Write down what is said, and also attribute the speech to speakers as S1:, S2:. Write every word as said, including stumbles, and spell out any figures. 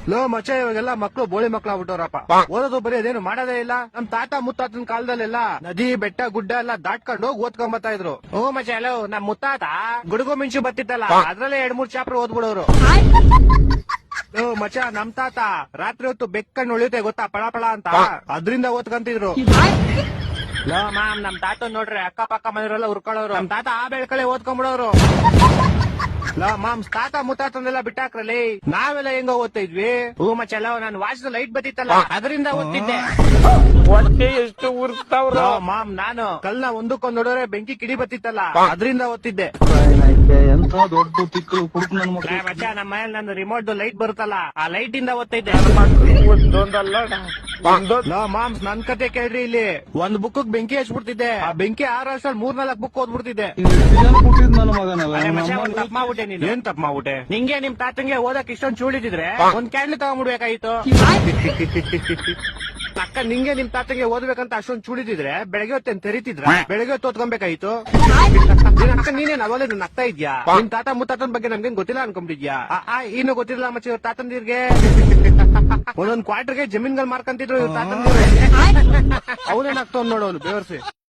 S1: Low ಮಚ್ಚ ಇವಾಗೆಲ್ಲ ಮಕ್ಳು ಬೋಳಿ ಮಕ್ಳು ಆಗ್ಬಿಟ್ಟವ್ರಪ್ಪ. ಓದೋದು ಬರೀ ಅದೇನು ಮಾಡೋದೇ ಇಲ್ಲ. ನಮ್ ತಾತ ಮುತ್ತಾತನ ಕಾಲದಲ್ಲೆಲ್ಲ ನದಿ ಬೆಟ್ಟ ಗುಡ್ಡ ಎಲ್ಲ ದಾಟ್ಕೊಂಡು ಹೋಗಿ ಓದ್ಕೊಂಡ್ ಬರ್ತಾ ಇದ್ರು. ಓ ಮಚ್ಚ ಹಲೋ ನಮ್ ಮುತ್ತಾತ ಗುಡುಗು ಮಿಂಚು ಬತ್ತಿತ್ತಲ್ಲ ಅದ್ರಲ್ಲೇ ಎರಡ್ ಮೂರ್ ಚಾಪ್ಟರ್ ಓದ್ಬಿಡೋರು. ಓ ಮಚ್ಚ ನಮ್ ತಾತ ರಾತ್ರಿ ಹೊತ್ತು ಬೆಕ್ಕಣ್ಣು ಉಳಿಯುತ್ತೆ ಗೊತ್ತಾ ಪಳ ಪಳ ಅಂತ ಅದ್ರಿಂದ ಓದ್ಕಂತಿದ್ರು. ಲೋ ಮ್ಯಾಮ್ ನಮ್ ತಾತ ನೋಡ್ರಿ ಅಕ್ಕ ಪಕ್ಕ ಮನೆಯವರೆಲ್ಲ ಉರ್ಕೊಳ್ಳೋರು. ನಮ್ ತಾತ ಆ ಬೆಳ್ಕಳೆ ಓದ್ಕೊಂಡ್ಬಿಡೋರು. ಲೋ ಮಾಮ್ಸ್ ತಾತ ಮುತ್ತಾತಂದೆಲ್ಲ ಬಿಟ್ಟಾಕ್ರಲ್ಲಿ ನಾವೆಲ್ಲ ಹೆಂಗ ಓದ್ತಾ ಇದ್ವಿ. ಹೂ ಮಚ್ಚಲ್ಲ ನಾನು ವಾಚ್ದ ಲೈಟ್ ಬತ್ತಿತ್ತಲ್ಲ ಅದರಿಂದ ಓದ್ತಿದ್ದೆ.
S2: ಹೊಟ್ಟೆ ಎಷ್ಟು ಉರ್ತಾವ್ರ.
S1: ಲೋ ಮಾಮ್ ನಾನು ಕಲ್ನ ಒಂದಕ್ಕೊಂದ್ ನೋಡಿದ್ರೆ ಬೆಂಕಿ ಕಿಡಿ ಬತ್ತಿತ್ತಲ್ಲ ಅದರಿಂದ ಓದ್ತಿದ್ದೆ.
S3: ಎಂತ ದೊಡ್ಡ ತಿಕ್ಕಲು ಕುಡುಕು ನನ್ ಮಕ್ಳು.
S1: ಲೇ ಮಚ್ಚ ನಮ್ಮ ಮನೇಲಿ ನಂದು ರಿಮೋಟ್ ಲೈಟ್ ಬರುತ್ತಲ್ಲ ಆ ಲೈಟ್ ಇಂದ ಓದ್ತಿದ್ದೆ.
S2: ಒಂದೊಂದಲ್ಲ ಒಂದೊಂದ್
S1: ಲೋ ಮಾಮ್ಸ್ ನನ್ ಕತೆ ಕೇಳ್ರಿ ಇಲ್ಲಿ ಒಂದ್ ಬುಕ್ ಬೆಂಕಿ ಹಚ್ಬಿಡ್ತಿದ್ದೆ. ಆ ಬೆಂಕಿ ಆರ್ ವರ್ಷ ಮೂರ್ ನಾಲ್ಕು ಬುಕ್ ಓದ್ಬಿಡ್ತಿದ್ದೆ.
S3: ಕೊಟ್ಟಿದ್ ನನ್ನ ಮಗನಲ್ಲ.
S1: ಅರೆ ಮಚ್ಚ ಒಂದ್ ತಪ್ಪ್ ಮಾಡ್ಬಿಟ್ಟೆ ನೀನು. ಏನ್ ತಪ್ಪ್ ಮಾಡ್ಬಿಟ್ಟೆ? ನಿಂಗೆ ನಿಮ್ ತಾತಂಗೆ ಓದಕ್ ಇಷ್ಟೊಂದ್ ಚೂಳಿದಿದ್ರೆ ಒಂದ್ ಕ್ಯಾಂಡ್ಲ್ ತಗೊಂಡ್ಬಿಡ್ಬೇಕಾಗಿತ್ತು. ಅಕ್ಕ ನಿಂಗೆ ನಿಮ್ ತಾತಂಗೆ ಓದ್ಬೇಕಂತ ಅಷ್ಟೊಂದ್ ಚೂಳಿದಿದ್ರೆ ಬೆಳಗ್ಗೆ ಹೊತ್ತೇನ್ ತೆರಿತಿದ್ರ ಬೆಳಗ್ಗೆ ಹೊತ್ತು ಓದ್ಕೊಬೇಕಾಯ್ತು. ಅಕ್ಕ ನೀನೇನ್ ಅವಲೇ ನಗ್ತಾ ಇದ್ಯಾ? ನಿಮ್ ತಾತ ಮುತ್ತಾತನ ಬಗ್ಗೆ ನಮ್ಗೇನ್ ಗೊತ್ತಿಲ್ಲ ಅನ್ಕೊಂಬಿದ್ಯಾ? ಇನ್ನು ಗೊತ್ತಿಲ್ಲ ಮಚ್ಚ ಇವ್ರ ತಾತಂದಿರ್ಗೆ ಒಂದೊಂದ್ ಕ್ವಾರ್ಟರ್ಗೆ ಜಮೀನ್ಗಳು ಮಾರ್ಕಂತಿದ್ರು ಇವ್ರ ತಾತಂದಿರು. ಅವನೇನಾಗ್ತಾವ್ ನೋಡೋನು ಬೇವರ್ಸಿ.